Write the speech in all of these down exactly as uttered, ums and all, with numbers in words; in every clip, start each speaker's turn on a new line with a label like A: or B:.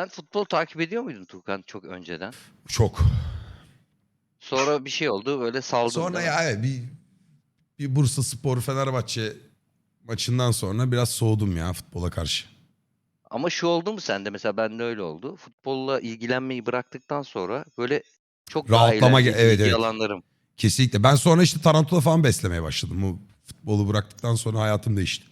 A: Sen futbol takip ediyor muydun Tuğkan çok önceden?
B: Çok.
A: Sonra bir şey oldu böyle saldın
B: Sonra
A: değil mi?
B: ya evet, bir, bir Bursa Spor Fenerbahçe maçından sonra biraz soğudum ya futbola karşı.
A: Ama şu oldu mu sende mesela bende öyle oldu. Futbolla ilgilenmeyi bıraktıktan sonra böyle çok daha
B: Rahatlama ge-
A: eğlenceli
B: evet
A: ilgi
B: evet.
A: alanlarım.
B: Kesinlikle. Ben sonra işte tarantula falan beslemeye başladım. Bu futbolu bıraktıktan sonra hayatım değişti.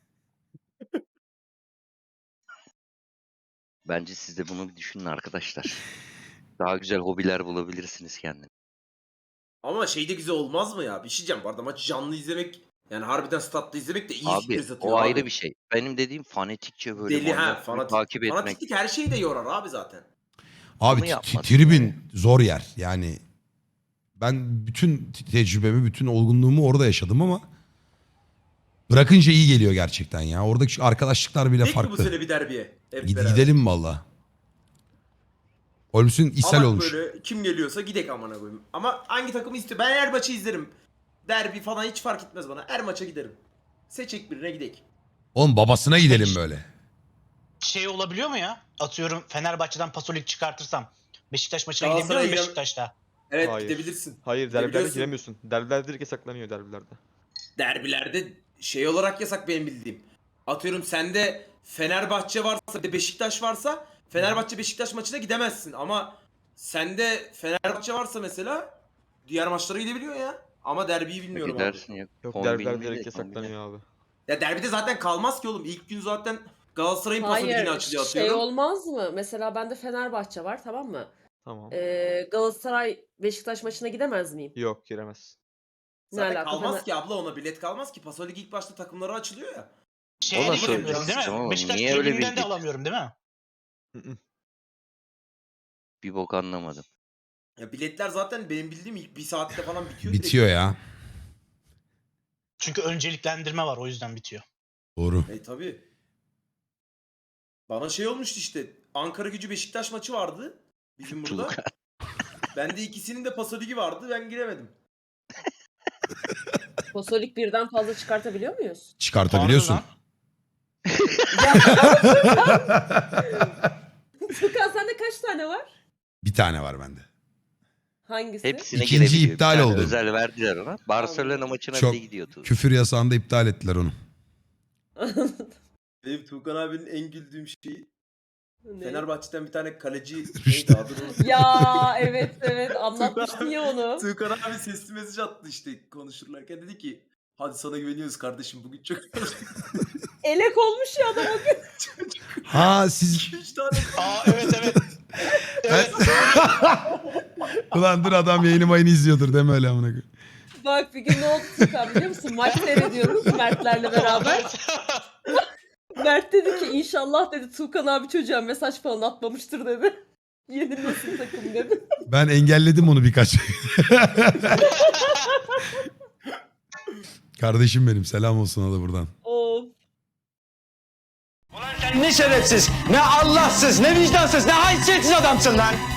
A: Bence siz de bunu bir düşünün arkadaşlar. Daha güzel hobiler bulabilirsiniz kendine.
C: Ama şey de güzel olmaz mı ya? Bir şey diyeceğim bu arada maçı canlı izlemek yani harbiden statta izlemek de iyi
A: Abi
C: stres
A: o
C: atıyor
A: ayrı
C: abi.
A: bir şey. Benim dediğim fanatikçe böyle
C: Deli ha
A: manyak gibi
C: fanatik.
A: takip etmek.
C: Fanatiklik her şeyi de yorar abi zaten.
B: Abi
A: Onu
B: t- t-
A: yapmadım
B: tribün
A: yani.
B: zor yer. Yani ben bütün te- tecrübemi, bütün olgunluğumu orada yaşadım ama bırakınca iyi geliyor gerçekten ya. Oradaki şu arkadaşlıklar bile
C: Gidecek mi bu
B: farklı.
C: sene bir derbiye? Hep
B: Gid-
C: beraber.
B: gidelim valla. Holmes'un ishal
C: Alak
B: olmuş.
C: böyle kim geliyorsa gidek amına koyayım. Ama hangi takımı istiyor? Ben her maçı izlerim. Derbi falan hiç fark etmez bana. Her maça giderim. Seçek birine gidek.
B: Oğlum babasına gidelim böyle.
D: Şey olabiliyor mu ya? Atıyorum Fenerbahçe'den Pasolik çıkartırsam Beşiktaş maçına gidebiliyor
C: Galatasaray'a
D: muyum
C: gidem-
D: Beşiktaş'ta?
C: Evet
E: Hayır.
C: gidebilirsin.
E: Hayır derbilerde
C: Gidebiliyorsun.
E: giremiyorsun. Derbilerde direkt yasaklanıyor derbilerde.
C: Derbilerde şey olarak yasak benim bildiğim. Atıyorum sende Fenerbahçe varsa bir de Beşiktaş varsa Fenerbahçe Beşiktaş maçına gidemezsin ama sende Fenerbahçe varsa mesela diğer maçlara gidebiliyor ya. Ama derbiyi bilmiyorum abi.
A: Gidersin ya.
E: Yok
A: kombinli
E: derbilerde
A: de,
E: direkt
A: kombinli.
E: yasaklanıyor abi.
C: Ya derbide zaten kalmaz ki oğlum. İlk gün zaten Galatasaray'ın paso ligini
F: Hayır,
C: açılıyor
F: şey
C: atıyorum.
F: olmaz mı? Mesela bende Fenerbahçe var, tamam mı?
E: Tamam.
F: Ee, Galatasaray Beşiktaş maçına gidemez miyim?
E: Yok giremez.
F: Ne
C: Zaten
F: alaka?
C: kalmaz
F: Fener-
C: ki abla ona bilet kalmaz ki. Paso ligi ilk başta takımları açılıyor ya.
D: Şeye
A: Ona
D: de giremiyorum değil
A: söyleyeceksin
D: mi?
A: ama
D: Beşiktaş
A: niye öyle
D: tribünden de
A: bildik?
D: alamıyorum değil mi?
E: Hı hı.
A: Bir bok anlamadım.
C: Ya biletler zaten benim bildiğim ilk bir saatte falan bitiyor. direkt.
B: Bitiyor ya.
D: Çünkü önceliklendirme var o yüzden bitiyor.
B: Doğru.
C: E tabi. Bana şey olmuştu işte. Ankara Gücü Beşiktaş maçı vardı. Bizim burada.
A: Tuğkan.
C: Bende ikisinin de Paso Ligi vardı. Ben giremedim.
F: Pasolik birden fazla çıkartabiliyor muyuz?
B: Çıkartabiliyorsun.
D: Pardon lan.
F: Furkan sende kaç tane var?
B: Bir tane var bende.
F: Hangisi?
A: Hepsine
B: İkinci
A: girebiliyor. Bir
B: iptal
A: tane
B: oldu.
A: özel verdiler ona. Barcelona
F: Anladım.
A: maçına
B: Çok
A: bile gidiyordu.
B: Küfür yasağında iptal ettiler onu.
C: Benim Tuğkan abinin en güldüğüm şeyi
F: Ne?
C: Fenerbahçe'den bir tane kaleci
B: Rüştü.
C: neydi adı unuttum.
F: Ya evet evet anlatmıştın ya onu.
C: Tuğkan abi sesli mesaj attı işte konuşurlarken dedi ki hadi sana güveniyoruz kardeşim bugün çok
F: Elek olmuş ya adam o gün.
B: Ha siz...
C: iki üç tane
D: Aa evet evet. Evet.
B: Ulan dur adam yayını mayını izliyordur deme öyle amına koyayım.
F: Bak bir gün ne oldu Furkan biliyor musun? Maç seyrediyoruz Mertlerle beraber. Mert dedi ki inşallah dedi Tuğkan abi çocuğa mesaj falan atmamıştır dedi. Yenilmesin takım dedi.
B: Ben engelledim onu birkaç. Kardeşim benim selam olsun ona da buradan.
F: Of.
G: Sen ne şerefsiz, ne Allahsız, ne vicdansız, ne haysiyetsiz adamsın lan.